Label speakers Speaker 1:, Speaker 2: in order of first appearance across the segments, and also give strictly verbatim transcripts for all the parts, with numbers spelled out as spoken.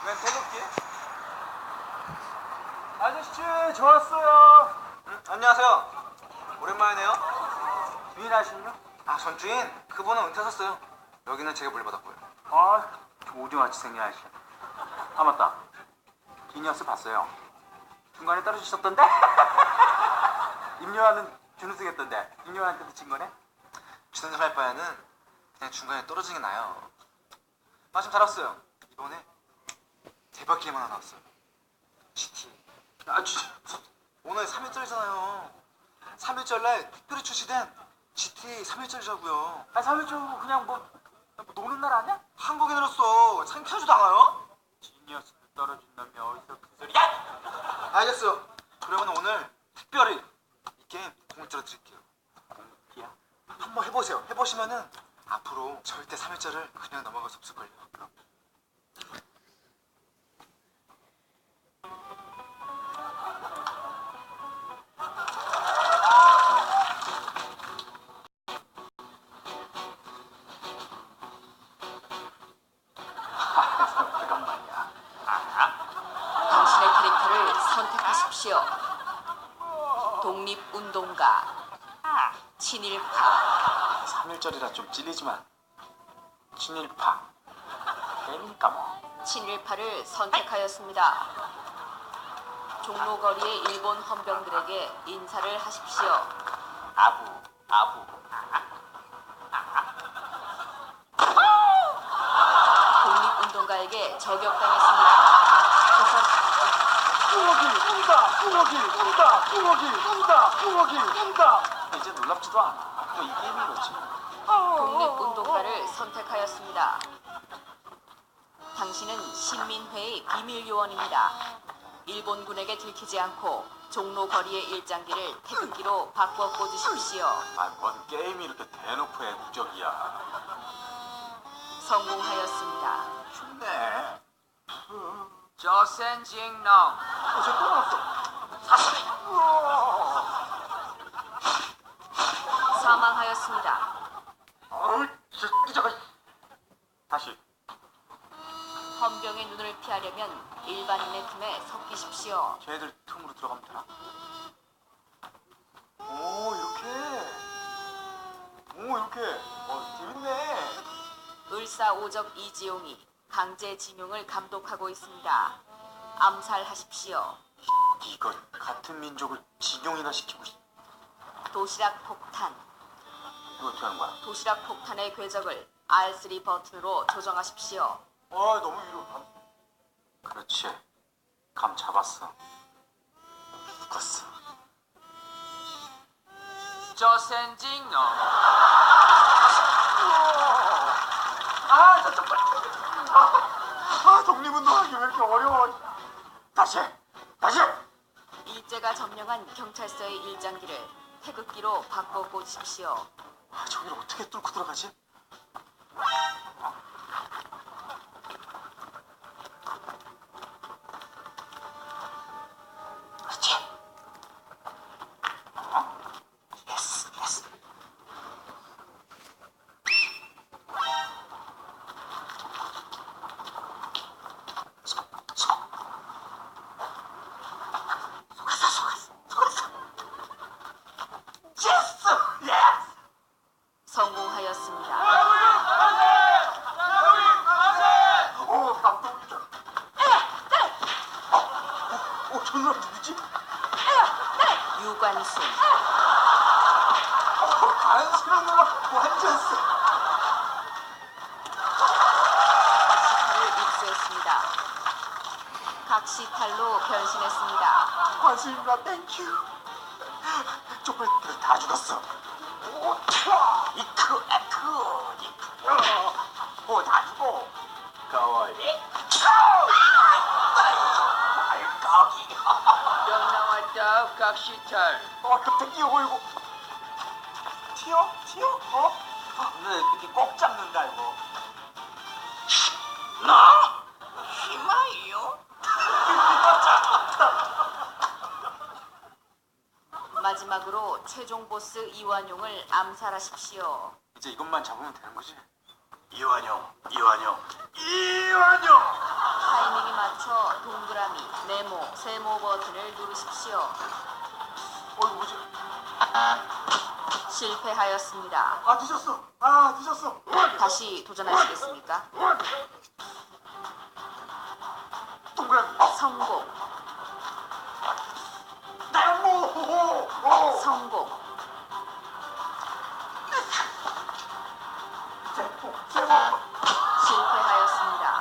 Speaker 1: 웬 태극기? 아저씨, 저 왔어요.
Speaker 2: 응? 안녕하세요. 오랜만이네요.
Speaker 1: 주인하시죠?
Speaker 2: 아, 전 주인. 그분은 은퇴하셨어요. 여기는 제가 물려받았고요.
Speaker 1: 아, 오징어같이 생긴 아저씨. 아, 맞다. 기니어스 봤어요. 중간에 떨어지셨던데? 임요한은 준우승했던데 임요한한테도 진 거네?
Speaker 2: 주선생 할 바에는 그냥 중간에 떨어지는 게 나아요. 마침 잘 왔어요. 이번에 대박 게임 하나 나왔어요. 지티.
Speaker 1: 아, 진짜.
Speaker 2: 오늘 삼 일절이잖아요. 삼 일절 날 특별히 출시된 지티 삼 일절이라고요.
Speaker 1: 아, 삼 일주고 그냥 뭐, 뭐 노는 날 아니야?
Speaker 2: 한국인으로서 창피하지도 않아요?
Speaker 1: 지니어스 떨어진 놈이 어디서 그 소리야?
Speaker 2: 알겠어요. 그러면 오늘 특별히 이 게임 공짜로 드릴게요.
Speaker 1: 공기야?
Speaker 2: 한번 해보세요. 해보시면은 앞으로 절대 삼 일절을 그냥 넘어갈 수 없을걸요. 그럼.
Speaker 1: 그런 말이야. 아,
Speaker 3: 당신의 캐릭터를 선택하십시오. 독립운동가, 친일파,
Speaker 1: 삼 일절이라 좀 찔리지만 친일파 게임이니까 뭐.
Speaker 3: 친일파를 선택하였습니다. 종로거리의 일본 헌병들에게 인사를 하십시오.
Speaker 1: 아부 아부.
Speaker 3: 독립운동가에게 저격당했습니다.
Speaker 1: 꾸러기 운다 꾸러기 운다 꾸러기 운다 꾸러기 운다. 이제 놀랍지도 않아. 또 이 게임이 이렇지.
Speaker 3: 독립운동가를 선택하였습니다. 당신은 신민회의 비밀요원입니다. 일본군에게 들키지 않고 종로 거리의 일장기를 태극기로 바꿔 꽂으십시오.
Speaker 1: 아뭔 게임이 이렇게 대놓고 애국적이야.
Speaker 3: 성공하였습니다.
Speaker 1: 춥네.
Speaker 3: 조센징농
Speaker 1: 어제 또 나왔어.
Speaker 3: 사망하였습니다.
Speaker 1: 어우 저거. 다시.
Speaker 3: 헌병의 눈을 피하려면 일반인의 틈에 섞이십시오.
Speaker 1: 쟤들 틈으로 들어가면 되나? 오 이렇게. 오 이렇게. 어 재밌네.
Speaker 3: 을사오적 이지용이 강제징용을 감독하고 있습니다. 암살하십시오.
Speaker 1: 이건 같은 민족을 진용이나 시키고 싶.
Speaker 3: 도시락 폭탄.
Speaker 1: 이거 어떻게 하는 거야?
Speaker 3: 도시락 폭탄의 궤적을 알 쓰리 버튼으로 조정하십시오.
Speaker 1: 아 너무 위로 감. 그렇지. 감 잡았어. 묶었어.
Speaker 3: 조센징농
Speaker 1: 아 저쪽 빨리. 아, 아 독립운동하기 왜 이렇게 어려워. 다시 다시.
Speaker 3: 일제가 점령한 경찰서의 일장기를 태극기로 바꿔 꽂으십시오.
Speaker 1: 아 저기를 어떻게 뚫고 들어가지? 그렇지. 어? 예스 예스. 속, 속. 속았어 속았어 속았어. 예스 예스.
Speaker 3: 성공하였습니다.
Speaker 1: 오 감독이다. 어, 어, 저 사람 누구지?
Speaker 3: 유관순
Speaker 1: 어, 안쓰러운 거 완전 쎄.
Speaker 3: 각시탈을 입수했습니다. 각시탈로 변신했습니다.
Speaker 1: 관수님과 땡큐. 쪽팔들 다 죽었어. 오, 차! 이크, 에크, 이크. 오, 다 죽어. 가와이. 알까기.
Speaker 3: 명 나왔다 각시탈.
Speaker 1: 어, 갑자기 뛰어고 이거. 튀어? 튀어? 어? 너 이렇게 꼭 잡는다 이거. 나? 희망이요?
Speaker 3: 마지막으로 최종 보스 이완용을 암살하십시오.
Speaker 1: 이제 이것만 잡으면 되는 거지? 이완용, 이완용, 이완용!
Speaker 3: 타이밍이 이어서 동그라미, 네모, 세모 버튼을 누르십시오.
Speaker 1: 어, 이거 뭐지?
Speaker 3: 실패하였습니다.
Speaker 1: 아, 늦었어. 아, 늦었어.
Speaker 3: 다시 도전하시겠습니까?
Speaker 1: 동그라미.
Speaker 3: 성공,
Speaker 1: 네모. 오.
Speaker 3: 성공,
Speaker 1: 세모. 세모.
Speaker 3: 실패하였습니다.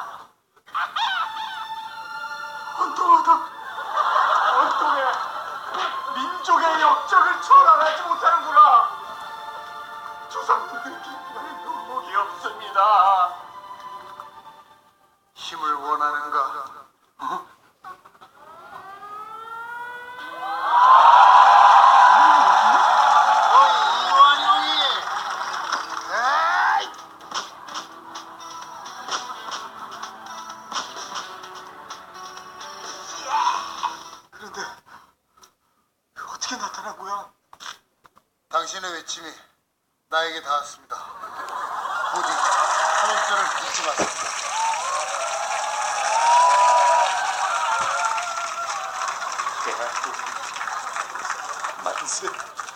Speaker 1: 헌통하다. 헌통해. 민족의 역적을 초월하지 못하는구나. 조상들에게 눈물이 없습니다. 힘을 원하는가? 어? 어이, 이완용이. 에이! 그런데 어떻게 나타난 거야?
Speaker 4: 당신의 외침이 나에게 닿았습니다. 부디 하늘전을 잊지 마세요.
Speaker 1: 대한민국 만세.